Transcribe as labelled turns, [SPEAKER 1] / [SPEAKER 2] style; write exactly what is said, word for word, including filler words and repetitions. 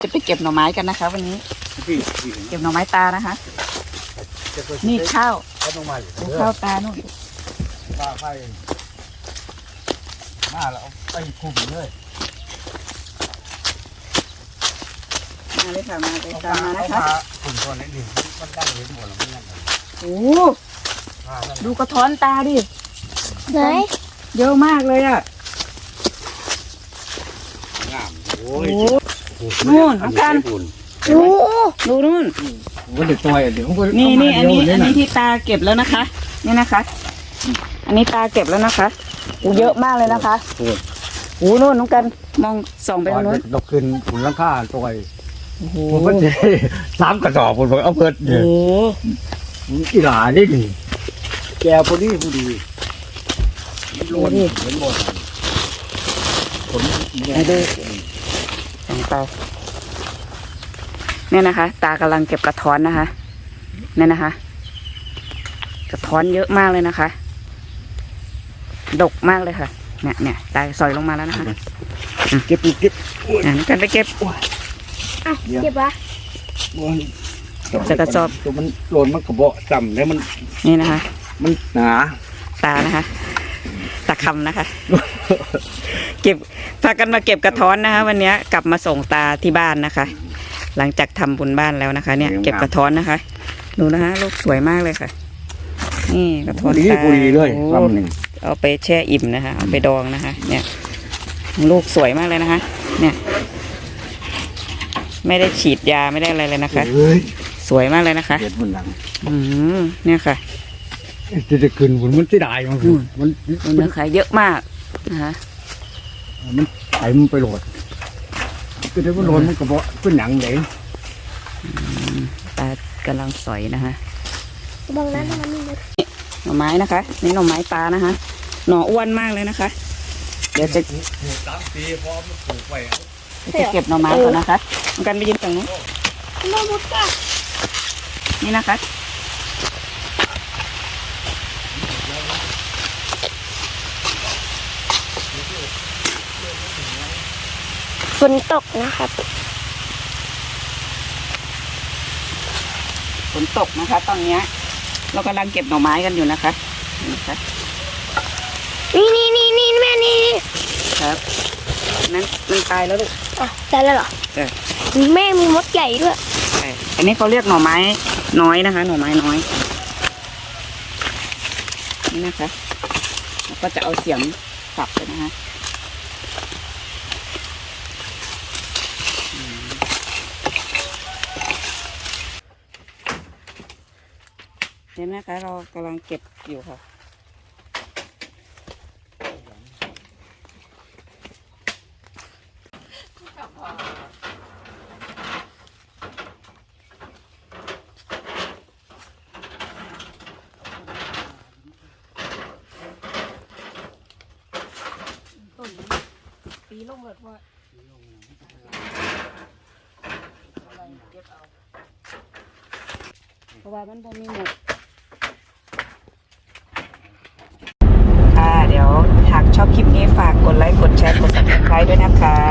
[SPEAKER 1] จะไปเก็บหน่อไม้กันนะคะวันนี้เก็บหน่อไม้ตานะคะนี่ข้าวข้าวตานู่น
[SPEAKER 2] ปลาไฟมาแล้วไปคุมเลย
[SPEAKER 1] มาเลยค่ะมาเลยตามมานะคะ
[SPEAKER 2] คุมตัวนี้ดิมันตั้งเห็นหมดแล้วมันยังไง
[SPEAKER 1] โอ้ดูกระท้อนตาดิ
[SPEAKER 3] ไหน
[SPEAKER 1] เยอะมากเลยอ่ะ
[SPEAKER 2] งามโอ้ย
[SPEAKER 1] นู่นน้องกันดูดูนู่น
[SPEAKER 2] มันเดือดตัวเดี๋ยว
[SPEAKER 1] นี่นี่อันนี้อันนี้ที่ตาเก็บแล้วนะคะนี่นะคะอันนี้ตาเก็บแล้วนะคะอูเยอะมากเลยนะคะอูนู่นน้องกันมองส่องไปตรงนู้น
[SPEAKER 2] ดอกขึ้นผุนลังค่าตัวผมก็เจ๊สามกระสอบผมบอกเอาเพิดเนี่ยอีหลานี่ดิแกพอดีพอดีล้วนเหมือนหมดผม
[SPEAKER 1] ไอ้ดูส่องไปเนี่ยนะคะตากำลังเก็บกระท้อนนะคะเนี่ยนะคะ กระท้อนเยอะมากเลยนะคะดกมากเลยค่ะเนี่ยเนี่ยตาซอยลงมาแล้วนะคะ
[SPEAKER 2] เก็บเก็บ
[SPEAKER 1] อ่ะกันไปเก็บ
[SPEAKER 3] อ่ะเก็บวะ
[SPEAKER 1] เก็บใส่กระสอบ
[SPEAKER 2] ตัวมันหล่นมันกระบอกจำแล้วมัน
[SPEAKER 1] นี่นะคะ
[SPEAKER 2] มันหนา
[SPEAKER 1] ตานะคะตาคำนะคะ เก็บพากันมาเก็บกระท้อนนะคะวันนี้กลับมาส่งตาที่บ้านนะคะ หลังจากทำบุญบ้านแล้วนะคะ เนี่ยเก็บกระท้อนนะคะดูนะคะลูกสวยมากเลยค่ะนี่กระท้อนตาเอาไปแช่อิ่มนะคะเอาไปดองนะคะเนี่ยลูกสวยมากเลยนะคะเนี่ยไม่ได้ฉีดยาไม่ได้อะไรเลยนะคะสวยมากเลยนะคะ
[SPEAKER 2] เด็ดบนหลัง
[SPEAKER 1] อืมเนี่ยค่ะ
[SPEAKER 2] จะจะขึ้นบนมันจะได้มันมัน
[SPEAKER 1] มันนะคะเยอะมากนะคะ
[SPEAKER 2] มันไถมันไปโหลดก็ได้ว่าโหลดมันกระบอกเป็นหนังเลย
[SPEAKER 1] ตากำลังสอยนะคะ
[SPEAKER 3] บางนั้นมันมี
[SPEAKER 1] หน่อไม้นะคะนี่หน่อไม้ตานะคะหน่ออ้วนมากเลยนะคะเดี๋ยวจะ
[SPEAKER 2] สามปีพร้อมปลูกไว้
[SPEAKER 1] จะเก็บหน่อไม้ก่อนนะคะกันไปยืนตรงนู้น
[SPEAKER 3] น้องมุดก้า
[SPEAKER 1] นี่นะคะ
[SPEAKER 3] ฝนตกนะครับ
[SPEAKER 1] ฝนตกนะคะตอนนี้เรากำลังเก็บหน่อไม้กันอยู่นะคะ
[SPEAKER 3] นี่นี่นี่นี่แม่นี่
[SPEAKER 1] ครับนั้นมันตายแล้วลูก
[SPEAKER 3] อ่ะตายแล้วเหรอ
[SPEAKER 1] เออ
[SPEAKER 3] แม่มีมดใหญ่ด้วย
[SPEAKER 1] ใช่อันนี้เขาเรียกหน่อไม้น้อยนะคะหน่อไม้น้อยนี่นะคะแล้วก็จะเอาเสียมสับไปนะคะเห็นไหมคะเรากำลังเก็บอยู่ค่ะปีลงเลยว่าเพราะว่ามันบ่มีหมดค่ะเดี๋ยวหากชอบคลิปนี้ฝากกดไลค์กดแชร์กดซับสไครบ์ด้วยนะคะ